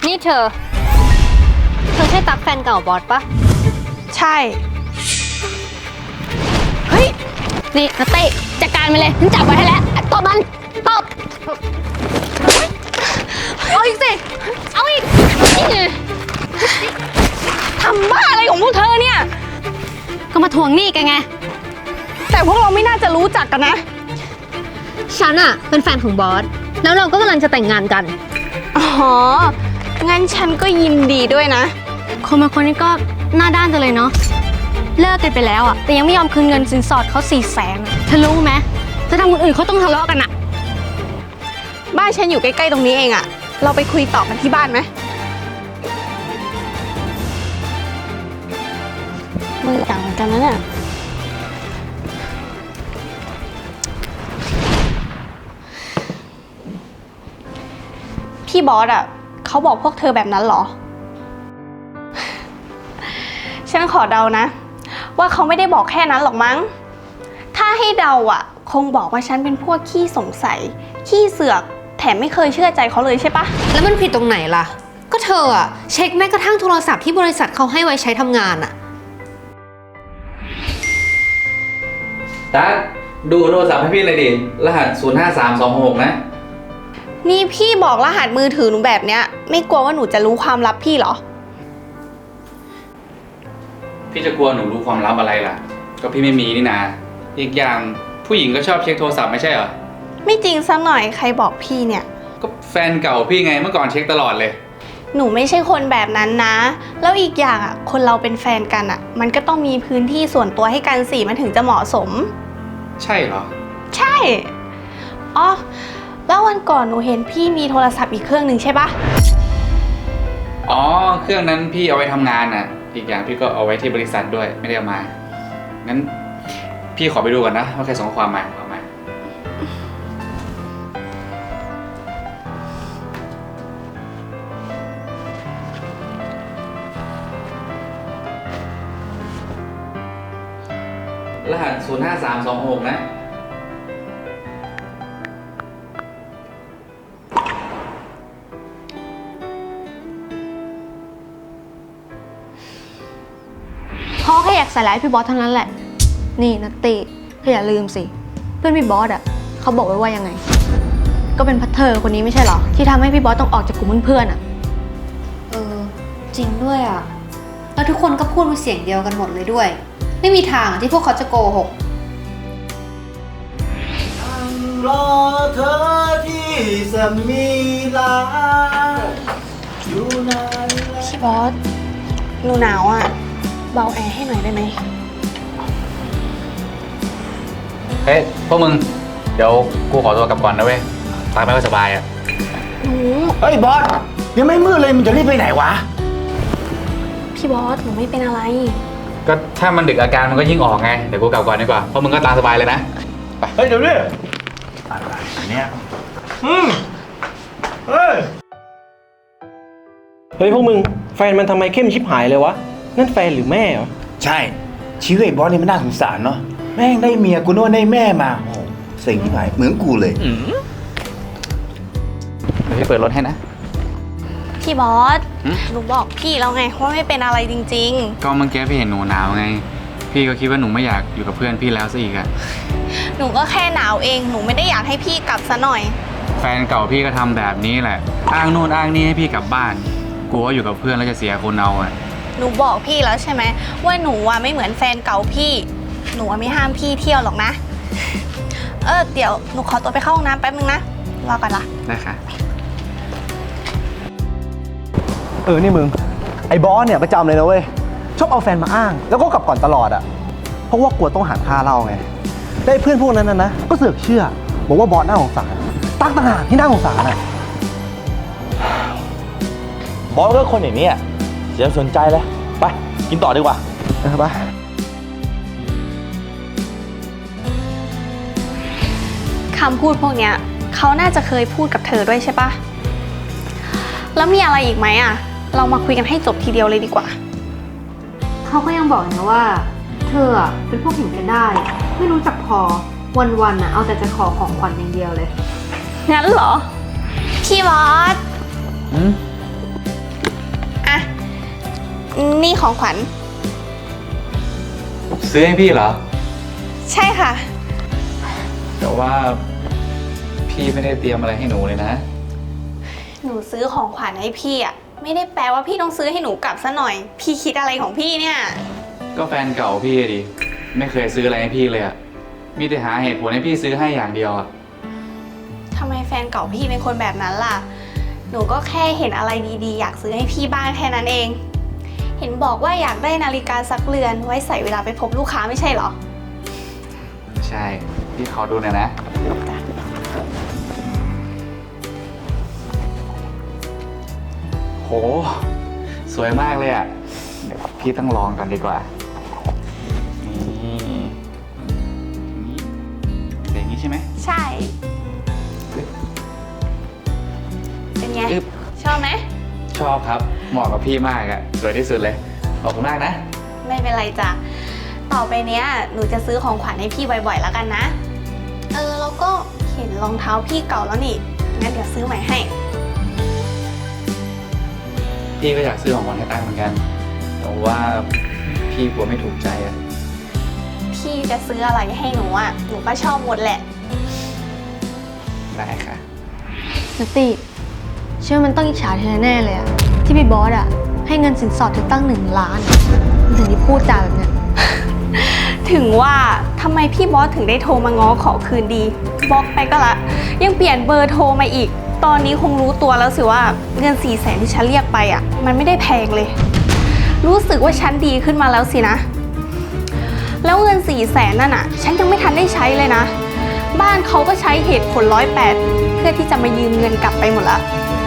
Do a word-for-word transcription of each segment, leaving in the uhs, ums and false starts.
นี่เธอ เธอใช่ตั๊กแฟนเก่าบอสปะใช่เฮ้ยนี่นัตตี้จัดการมันเลยฉันจับไว้ให้แล้วตบมันตบเอาอีกสิเอาอีกทำบ้าอะไรของพวกเธอเนี่ยก็มาทวงหนี้กันไงแต่พวกเราไม่น่าจะรู้จักกันนะฉันอะเป็นแฟนของบอสแล้วเราก็กำลังจะแต่งงานกันอ๋องั้นฉันก็ยินดีด้วยนะคนบางคนนี่ก็หน้าด้านจังเลยเนาะเลิกกันไปแล้วอะแต่ยังไม่ยอมคืนเงินสินสอดเขาสี่แสนเธอรู้ไหมจะทำคนอื่นเขาต้องทะเลาะกันอะบ้านฉันอยู่ใกล้ๆตรงนี้เองอะเราไปคุยต่อกันที่บ้านไหมมือต่างกันนะเนี่ยพี่บอสอ่ะเขาบอกพวกเธอแบบนั้นเหรอ ฉันขอเดานะว่าเขาไม่ได้บอกแค่นั้นหรอกมั้งถ้าให้เดาอ่ะคงบอกว่าฉันเป็นพวกขี้สงสัยขี้เสือกแถมไม่เคยเชื่อใจเขาเลยใช่ปะแล้วมันผิดตรงไหนล่ะก็เธออะเช็คแม้กระทั่งโทรศัพท์ที่บริษัทเขาให้ไว้ใช้ทำงานอะตั๊กดูโทรศัพท์ให้พี่เลยดิรหัสศูนย์ห้าสามสองหกนะนี่พี่บอกรหัสมือถือหนูแบบเนี้ยไม่กลัวว่าหนูจะรู้ความลับพี่เหรอพี่จะกลัวหนูรู้ความลับอะไรล่ะก็พี่ไม่มีนี่นาอีกอย่างผู้หญิงก็ชอบเช็คโทรศัพท์ไม่ใช่เหรอไม่จริงสักหน่อยใครบอกพี่เนี่ยก็แฟนเก่าพี่ไงเมื่อก่อนเช็คตลอดเลยหนูไม่ใช่คนแบบนั้นนะแล้วอีกอย่างอ่ะคนเราเป็นแฟนกันอ่ะมันก็ต้องมีพื้นที่ส่วนตัวให้กันสิมันถึงจะเหมาะสมใช่เหรอใช่อ๋อแล้ววันก่อนหนูเห็นพี่มีโทรศัพท์อีกเครื่องหนึ่งใช่ปะอ๋อเครื่องนั้นพี่เอาไว้ทำงานน่ะอีกอย่างพี่ก็เอาไว้ที่บริษัทด้วยไม่ได้เอามางั้นพี่ขอไปดูก่อนนะว่าใครส่งข้อความมาเอามารหัสศูนย์ห้าสามสองหกนะพ่อแค่อยากใส่ร้ายพี่บอสเท่านั้นแหละนี่นัตติเธออย่าลืมสิเพื่อนพี่บอสอ่ะเขาบอกไว้ว่ายังไงก็เป็นพัทเธอคนนี้ไม่ใช่เหรอที่ทำให้พี่บอสต้องออกจากกลุ่มเพื่อนๆอ่ะเออจริงด้วยอ่ะแล้วทุกคนก็พูดเป็นเสียงเดียวกันหมดเลยด้วยไม่มีทางที่พวกเขาจะโกหกรอเธอที่สมีลาอยู่นานพี่บอสหนูหนาวอ่ะเบาแอร์ให้หน่อยได้ไหมเฮ้ยพวกมึงเดี๋ยวกูขอตัวกลับก่อนนะเว้ยตาไม่ค่อยสบายอ่ะหนูเฮ้ยบอสยังไม่มืดเลยมึงจะรีบไปไหนวะพี่บอสหนูไม่เป็นอะไรก็ถ้ามันดึกอาการมันก็ยิ่งออกไงเดี๋ยวกูกลับก่อนดีกว่าเพราะมึงก็ตามสบายเลยนะไปเฮ้ยเดี๋ยวนี้อะไรเนี่ยอืมเฮ้ยเฮ้ยพวกมึงแฟนมันทำไมเข้มชิบหายเลยวะนั่นแฟนหรือแม่เหรอใช่ชีวิตบอสนี่มันน่าสงสารเนาะแม่งได้เมียกูโน่นได้แม่มาโอ้สิ่งที่หายเหมือนกูเลยเดี๋ยวพี่เปิดรถให้นะพี่บอสหนูบอกพี่แล้วไงว่าไม่เป็นอะไรจริงๆก็เมื่อกี้พี่เห็นหนูหนาวไงพี่ก็คิดว่าหนูไม่อยากอยู่กับเพื่อนพี่แล้วซะอีกอะหนูก็แค่หนาวเองหนูไม่ได้อยากให้พี่กลับซะหน่อยแฟนเก่าพี่ก็ทำแบบนี้แหละอ้างนู่นอ้างนี่ให้พี่กลับบ้านกลัวว่าอยู่กับเพื่อนแล้วจะเสียคนเอาอะหนูบอกพี่แล้วใช่ไหมว่าหนูอะไม่เหมือนแฟนเก่าพี่หนูไม่ห้ามพี่เที่ยวหรอกนะเออเดี๋ยวหนูขอตัวไปเข้าห้องน้ำแป๊บนึงนะรอก่อนละได้ค่ะเออนี่มึงไอ้บอสเนี่ยประจำเลยนะเว้ยชอบเอาแฟนมาอ้างแล้วก็กลับก่อนตลอดอ่ะเพราะว่ากลัวต้องหักค่าเหล้าไงได้เพื่อนพวกนั้นนะนะก็เสือกเชื่อบอกว่าบอสน่าสงสารตั้งต่างหากที่น่าสงสารอ่ะบอสก็คนอย่างนี้อ่ะเสียสนใจเลยไปกินต่อดีกว่าเออไปคำพูดพวกเนี้ยเขาน่าจะเคยพูดกับเธอด้วยใช่ปะแล้วมีอะไรอีกไหมอ่ะเรามาคุยกันให้จบทีเดียวเลยดีกว่าเขาก็ยังบอกนะว่าเธอเป็นพวกเห็นกันได้ไม่รู้จักพอวันๆน่ะเอาแต่จะขอของขวัญอย่างเดียวเลยงั้นเหรอพี่บอสนี่ของขวัญซื้อให้พี่เหรอใช่ค่ะแต่ว่าพี่ไม่ได้เตรียมอะไรให้หนูเลยนะหนูซื้อของขวัญให้พี่อ่ะ ไม่ได้แปลว่าพี่ต้องซื้อให้หนูกลับซะหน่อย พี่คิดอะไรของพี่เนี่ยก็แฟนเก่าพี่ดิ ไม่เคยซื้ออะไรให้พี่เลยอะมีแต่หาเหตุผลให้พี่ซื้อให้อย่างเดียวอะทำไมแฟนเก่าพี่เป็นคนแบบนั้นล่ะ หนูก็แค่เห็นอะไรดีๆ อยากซื้อให้พี่บ้างแค่นั้นเอง เห็นบอกว่าอยากได้นาฬิกาซักเรือนไว้ใส่เวลาไปพบลูกค้าไม่ใช่เหรอใช่ พี่ขอดูหน่อยนะ โห สวยมากเลยอะเดี๋ยวพี่ต้องลองกันดีกว่า นี่นี่เป็นอย่างนี้ใช่ไหมใช่ เป็นไงอึ๊บชอบไหมชอบครับ เหมาะกับพี่มากอะสวยที่สุดเลย ขอบคุณมากนะไม่เป็นไรจ้ะ ต่อไปเนี้ยหนูจะซื้อของขวัญให้พี่บ่อยๆแล้วกันนะ เออแล้วก็เห็นรองเท้าพี่เก่าแล้วนี่ งั้นเดี๋ยวซื้อใหม่ให้พี่ก็อยากซื้อของขวัญให้ตั้งเหมือนกัน แต่ว่าพี่กลัวไม่ถูกใจอะพี่จะซื้ออะไรให้หนูอ่ะ หนูก็ชอบหมดแหละได้ค่ะนัตตี้เชื่อมันต้องอิจฉาเธอแน่เลยอะที่พี่บอสอะให้เงินสินสอดเธอตั้งหนึ่งล้านมันถึงได้พูดจาแบบเนี้ยถึงว่าทำไมพี่บอสถึงได้โทรมาง้อขอคืนดีบล็อกไปก็ละ ยังเปลี่ยนเบอร์โทรมาอีก ตอนนี้คงรู้ตัวแล้วสิว่าเงินสี่แสนที่ฉันเรียกไปอ่ะ มันไม่ได้แพงเลย รู้สึกว่าฉันดีขึ้นมาแล้วสินะ แล้วเงินสี่แสนนั่นอ่ะ ฉันยังไม่ทันได้ใช้เลยนะ บ้านเขาก็ใช้เหตุผลร้อยแปดเพื่อที่จะมายืมเงินกลับไปหมดละ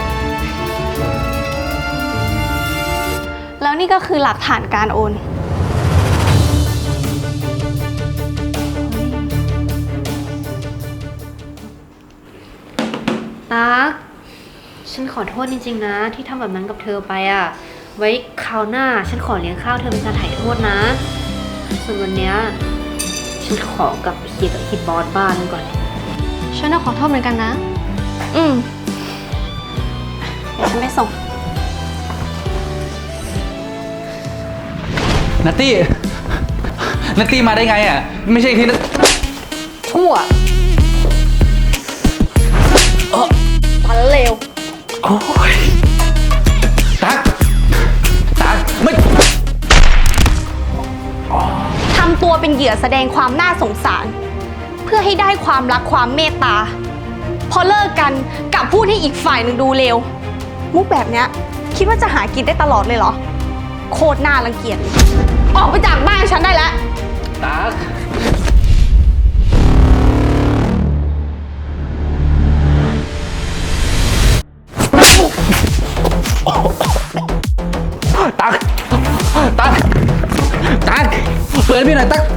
แล้วนี่ก็คือหลักฐานการโอนตั๊กฉันขอโทษจริงๆนะ ที่ทำแบบนั้นกับเธอไปอะไว้คราวหน้าฉันขอเลี้ยงข้าวเธอเป็นการถ่ายโทษนะ ส่วนวันเนี้ยฉันขอกลับไปเคลียร์กับฮิตบอสบ้านก่อนฉันต้องขอโทษเหมือนกันนะอืมเดี๋ยวฉันไปส่งนัตตี้ นัตตี้มาได้ไงอ่ะ ไม่ใช่ที่นัตชั่วปันเลวโอ้ยตักตักไม่ทำตัวเป็นเหยื่อแสดงความน่าสงสาร เพื่อให้ได้ความรักความเมตตา พอเลิกกันกลับพูดให้อีกฝ่ายหนึ่งดูเลวมุกแบบเนี้ยคิดว่าจะหากินได้ตลอดเลยเหรอ โคตรน่ารังเกียจเลยออกไปจากบ้านฉันได้แล้วตักตักตักตักเปิดพี่หน่อยตัก